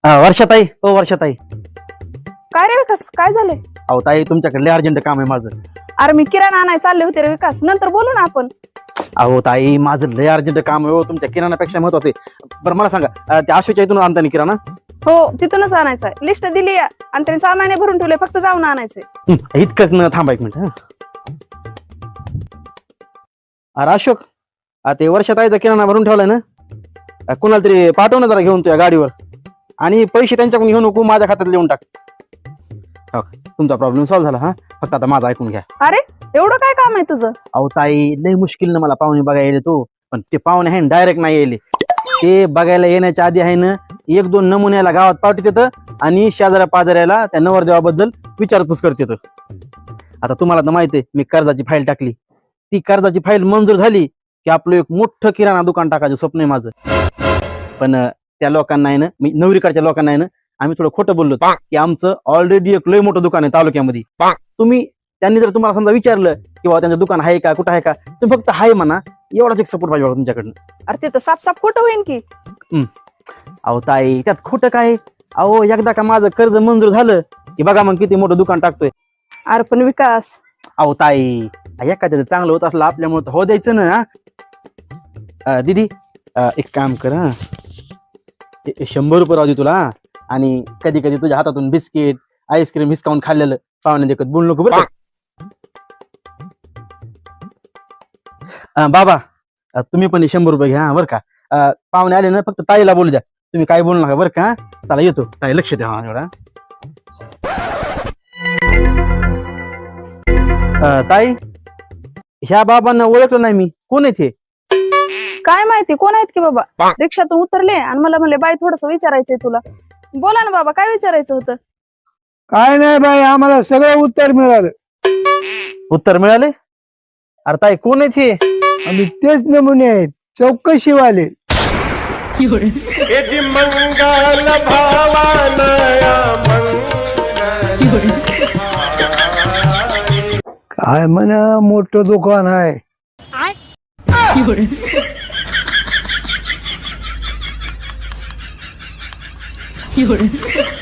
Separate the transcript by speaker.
Speaker 1: वर्षाताई हो वर्षाताई.
Speaker 2: काय रे विकास, काय झाले?
Speaker 1: अहो ताई, तुमच्याकडे अर्जंट काम आहे माझं.
Speaker 2: अरे मी किराणा आणायला चालले होते रे विकास, नंतर बोलू ना आपण.
Speaker 1: अहो ताई, माझं लय अर्जंट काम आहे हो, तुमच्या किराणापेक्षा महत्वाचं आहे. बरं मला सांगा, त्या आशूच्या इथून आणता किराणा?
Speaker 2: हो, तिथूनच आणायचं आहे. लिस्ट दिली आहे आणि त्यांनी सामान्य भरून ठेवले, फक्त जाऊन आणायचंय.
Speaker 1: इतकंच न थांबा एक मिनिट. अरे अशोक, ते वर्षाताईचा किराणा भरून ठेवलाय ना, कुणाला तरी पाठव ना जरा घेऊन तुझ्या गाडीवर, आणि पैसे त्यांच्याकडून घेऊ नको, माझ्या खात्यात लिहून टाक. हो, तुमचा प्रॉब्लेम सॉल्व्ह झाला. हा, फक्त आता माझं ऐकून घ्या.
Speaker 2: अरे एवढं काय काम आहे तुझं?
Speaker 1: अहो ताई, लय मुश्किल मला पाहुणे बघायला येले तो, पण ते पाहुणे आहे डायरेक्ट नाही येले. ते बघायला येण्याच्या आधी आहे ना, एक दोन नमुन्याला गावात पाठवत येतं आणि शेजाऱ्या पाजाऱ्याला त्या नवरदेवाबद्दल विचारपूस करते. आता तुम्हाला तर माहिती आहे, मी कर्जाची फाईल टाकली. ती कर्जाची फाईल मंजूर झाली की आपलं एक मोठं किराणा दुकान टाकायचं स्वप्न आहे माझं. पण त्या लोकांना आहे ना, मी नवरीकडच्या लोकांना आहे ना, आम्ही थोडं खोटं बोललो की आमचं ऑलरेडी एक लय मोठं दुकान आहे तालुक्यामध्ये. त्यांनी जर तुम्हाला समजा विचारलं की बाबा त्यांचं दुकान आहे का, कुठं आहे का, तुम्ही फक्त हाय म्हणा, एवढाच एक सपोर्ट पाहिजे तुमच्याकडनं.
Speaker 2: अरे ते तर साफ साफ खोटं होईन की.
Speaker 1: अहो ताई, त्यात खोटं काय? अहो एकदा का माझं कर्ज मंजूर झालं की बघा मग किती मोठं दुकान टाकतोय.
Speaker 2: अरे पण विकास,
Speaker 1: अहो ताई, एखाद्याचं चांगलं होत असलं आपल्यामुळे हो द्यायचं ना. दीदी, एक काम कर, 100 रुपये राहू दे तुला, आणि कधी कधी तुझ्या हातातून बिस्किट आईस्क्रीम हिसकावून खाल्लेलं पाहुण्या देखत बोलू नको बरं. बाबा, तुम्ही पण 100 रुपये घ्या बरं का. पाहुणे आले ना, फक्त ताईला बोलू द्या, तुम्ही काय बोलू नका बरं का. चला येतो ताई, लक्ष द्या एवढा. ताई, ह्या बाबांना ओळखलं नाही मी, कोण आहे ते?
Speaker 2: काय माहिती कोण आहेत की बाबा. रिक्षातून उतरले आणि मला म्हणले बाई थोडस विचारायचंय तुला. बोला ना बाबा, काय विचारायचं होतं?
Speaker 3: काय नाही बाई, आम्हाला सगळं उत्तर मिळालं.
Speaker 1: उत्तर मिळाले? अरे ताई, कोण आहे ते?
Speaker 3: आम्ही तेच नमुने आहेत, चौकशीवाले.
Speaker 4: मंगल भावानया
Speaker 3: काय म्हणा, मोठं दुकान आहे.
Speaker 5: You're